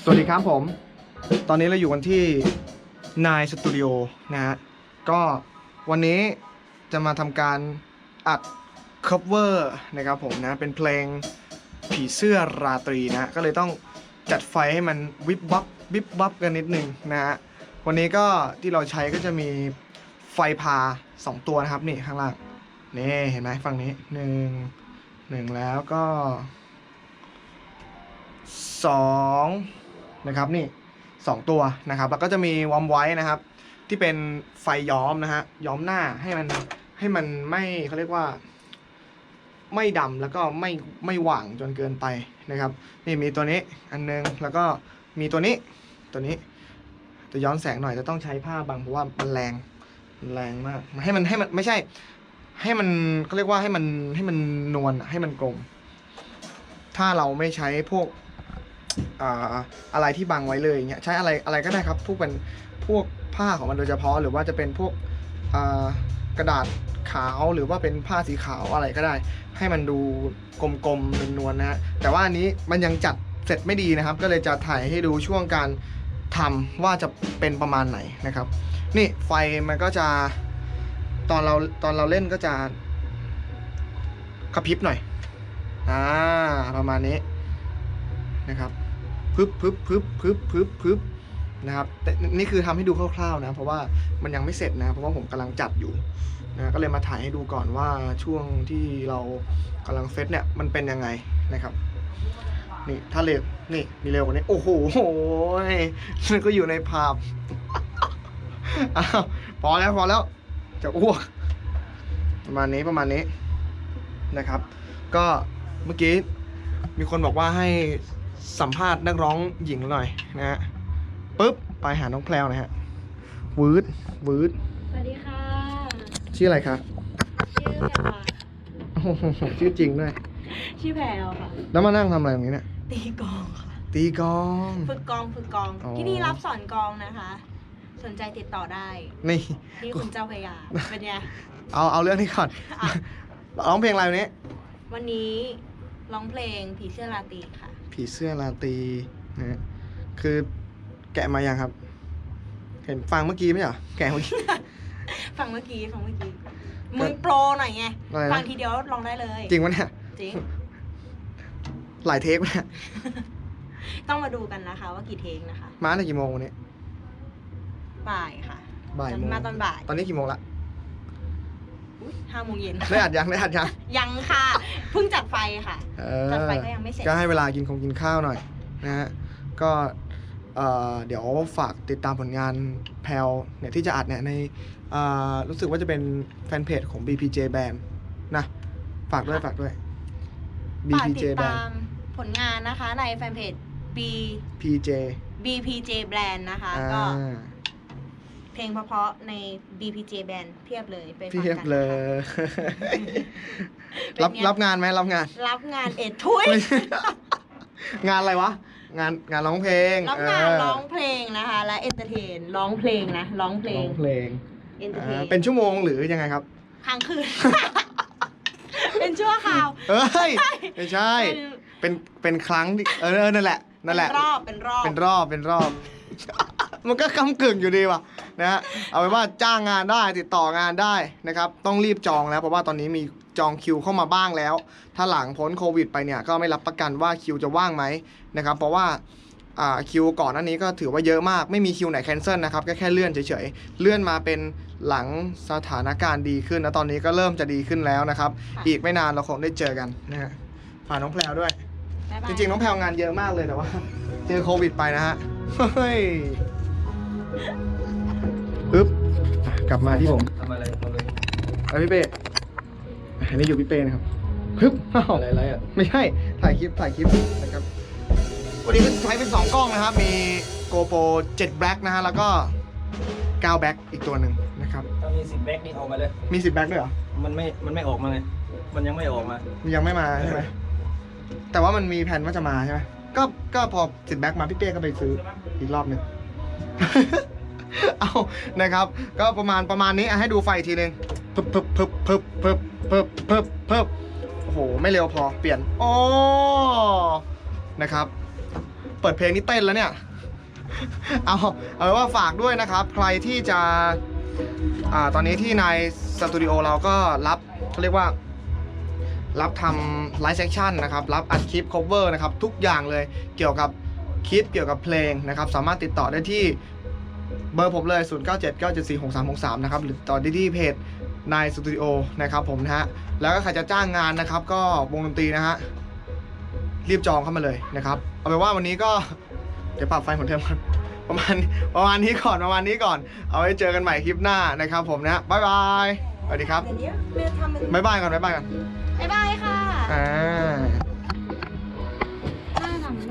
สวัสดีครับผมตอนนี้เราอยู่กันที่นายสตูดิโอนะฮะก็วันนี้จะมาทำการอัด cover นะครับผมนะเป็นเพลงผีเสื้อราตรีนะก็เลยต้องจัดไฟให้มันวิบวับวิบวับกันนิดนึงนะฮะวันนี้ก็ที่เราใช้ก็จะมีไฟพา2ตัวนะครับนี่ข้างล่างนี่เห็นไหมฝั่งนี้หนึ่งแล้วก็2นะครับนี่2ตัวนะครับแล้วก็จะมีวอร์มไว้นะครับที่เป็นไฟย้อมนะฮะย้อมหน้าให้มันไม่เขาเรียกว่าไม่ดำแล้วก็ไม่หว่างจนเกินไปนะครับนี่มีตัวนี้อันนึงแล้วก็มีตัวนี้จะย้อนแสงหน่อยจะต้องใช้ผ้าบังเพราะว่ามันแรงมากให้มันไม่ใช่ให้มันเขาเรียกว่าให้มันนวลให้มันกลมถ้าเราไม่ใช้พวกอะไรที่บังไว้เลยอย่างเงี้ยใช้อะไรก็ได้ครับพวกผ้าของมันโดยเฉพาะหรือว่าจะเป็นพวกกระดาษขาวหรือว่าเป็นผ้าสีขาวอะไรก็ได้ให้มันดูกลมๆนวลนะฮะแต่ว่าอันนี้มันยังจัดเสร็จไม่ดีนะครับก็เลยจะถ่ายให้ดูช่วงการทำว่าจะเป็นประมาณไหนนะครับนี่ไฟมันก็จะตอนเราเล่นก็จะกระพริบหน่อยประมาณนี้นะครับพึบนะครับแต่นี่คือทำให้ดูคร่าวๆนะเพราะว่ามันยังไม่เสร็จนะเพราะว่าผมกำลังจัดอยู่นะก็เลยมาถ่ายให้ดูก่อนว่าช่วงที่เรากำลังเซตเนี่ยมันเป็นยังไงนะครับนี่ถ้าเร็วนี่มีเร็วกว่านี้โอ้โหมันก็อยู่ในภาพ อ้าวพอแล้วจะอ้วกประมาณนี้นะครับก็เมื่อกี้มีคนบอกว่าให้สัมภาษณ์นักร้องหญิงหน่อยนะฮะปุ๊บไปหาน้องแพลวนะฮะวืดสวัสดีค่ะชื่ออะไรคะชื่อแพรวค่ะชื่อจริงด้วยชื่อแพรวค่ะแล้วมานั่งทำอะไรตรงนี้เนี่ยตีกลองค่ะตีกลองฝึกกลองที่นี่รับสอนกลองนะคะสนใจติดต่อได้นี่ที่คุณเจ้าพระยาเป็นไงเอาเรื่องนี้ก่อนร้องเพลงอะไรวันนี้วันนี้ร้องเพลงผีเสื้อราตรีค่ะผีเสื้อราตรีนะคือแกะมายังครับเห็นฟังเมื่อกี้ไหมเหรอแกะเมื่อกี้ฟังเมื่อกี้มึงโปรหน่อยไงฟังทีเดียวร้องได้เลยจริงวะเนี่ยจริงหลายเทคเนี่ยต้องมาดูกันนะคะว่ากี่เทคนะคะมาตั้งกี่โมงวันนี้บ่ายค่ะบ่ายมาตอนบ่ายตอนนี้กี่โมงละ 5 โมงเย็นได้อัดยังยังค่ะเพิ่งจัดไฟค่ะจัดไฟก็ยังไม่เสร็จก็ให้เวลากินข้าวหน่อยนะฮะก็เดี๋ยวฝากติดตามผลงานแพลวเนี่ยที่จะอัดเนี่ยในรู้สึกว่าจะเป็นแฟนเพจของ BPJ Band นะฝากด้วย BPJ Band ติดตามผลงานนะคะในแฟนเพจ BPJ Band นะคะก็เพลงเพราะๆใน BPJ Band เพียบเลยไปฟังกันเลยรับงานไหมรับงานทุยงานอะไรวะงานร้องเพลงรับงานร้องเพลงนะคะและเอนเตอร์เทนร้องเพลงเอนเตอร์เทนเป็นชั่วโมงหรือยังไงครับค้างคืน เป็นชั่วคราวไม่ใช่เป็นครั้งนั่นแหละเป็นรอบมันก็กำกึ่งอยู่ดีว่ะนะฮะเอาเป็นว่าจ้างงานได้ติดต่องานได้นะครับต้องรีบจองแล้วเพราะว่าตอนนี้มีจองคิวเข้ามาบ้างแล้วถ้าหลังพ้นโควิดไปเนี่ยก็ไม่รับประกันว่าคิวจะว่างไหมนะครับเพราะว่าคิวก่อนหน้านี้ก็ถือว่าเยอะมากไม่มีคิวไหนแคนเซิลนะครับแค่เลื่อนเฉยๆเลื่อนมาเป็นหลังสถานการณ์ดีขึ้นแล้วตอนนี้ก็เริ่มจะดีขึ้นแล้วนะครับอีกไม่นานเราคงได้เจอกันนะฮะฝากน้องแพลวด้วยจริงๆน้องแพลวงานเยอะมากเลยแต่ว่าเจอโควิดไปนะฮะเฮ้ยปึ๊บกลับมาที่ผมทำอะไรพี่เป้อันนี้อยู่พี่เป้นะครับปึ๊บอะไรอ่ะไม่ใช่ถ่ายคลิปนะครับวันนี้ใช้เป็น2กล้องนะครับมี GoPro 7 Black นะฮะแล้วก็9 Black อีกตัวหนึ่งนะครับถ้ามี10 Black นี่เอามาเลยมี10 Black ด้วยเหรอมันไม่ออกมาไงมันยังไม่ออกมายังไม่มาใช่ไหมแต่ว่ามันมีแผนว่าจะมาใช่ไหมก็พอ10 Black มาพี่เป้ก็ไปซื้ออีกรอบหนึ่ง เอานะครับก็ประมาณนี้ให้ดูไฟทีนึงพึบโอ้โหไม่เร็วพอเปลี่ยนนะครับปปิดเพลงนี่เต้นแล้วเนี่ย เอาเป็นว่าฝากด้วยนะครับ ใครที่จะตอนนี้ที่ในสตูดิโอเราก็รับเขาเรียกว่ารับทำไลฟ์เซสชั่นนะครับรับอัดคลิป cover นะครับทุกอย่างเลยเกี่ยวกับคลิปเกี่ยวกับเพลงนะครับสามารถติดต่อได้ที่เบอร์ผมเลย 0979746363 นะครับหรือต่อได้ที่เพจนายสตูดิโอนะครับผมนะฮะแล้วก็ใครจะจ้างงานนะครับก็วงดนตรีนะฮะรีบจองเข้ามาเลยนะครับเอาเป็นว่าวันนี้ก็เดี๋ยวปรับไฟเหมือนเดิมก่อนประมาณนี้ก่อนเอาไว้เจอกันใหม่คลิปหน้านะครับผมนะบ๊ายบายสวัสดีครับเดี๋ยวเมย์ทำเป็นบ๊ายบายก่อนบ๊ายบายค่ะอ่า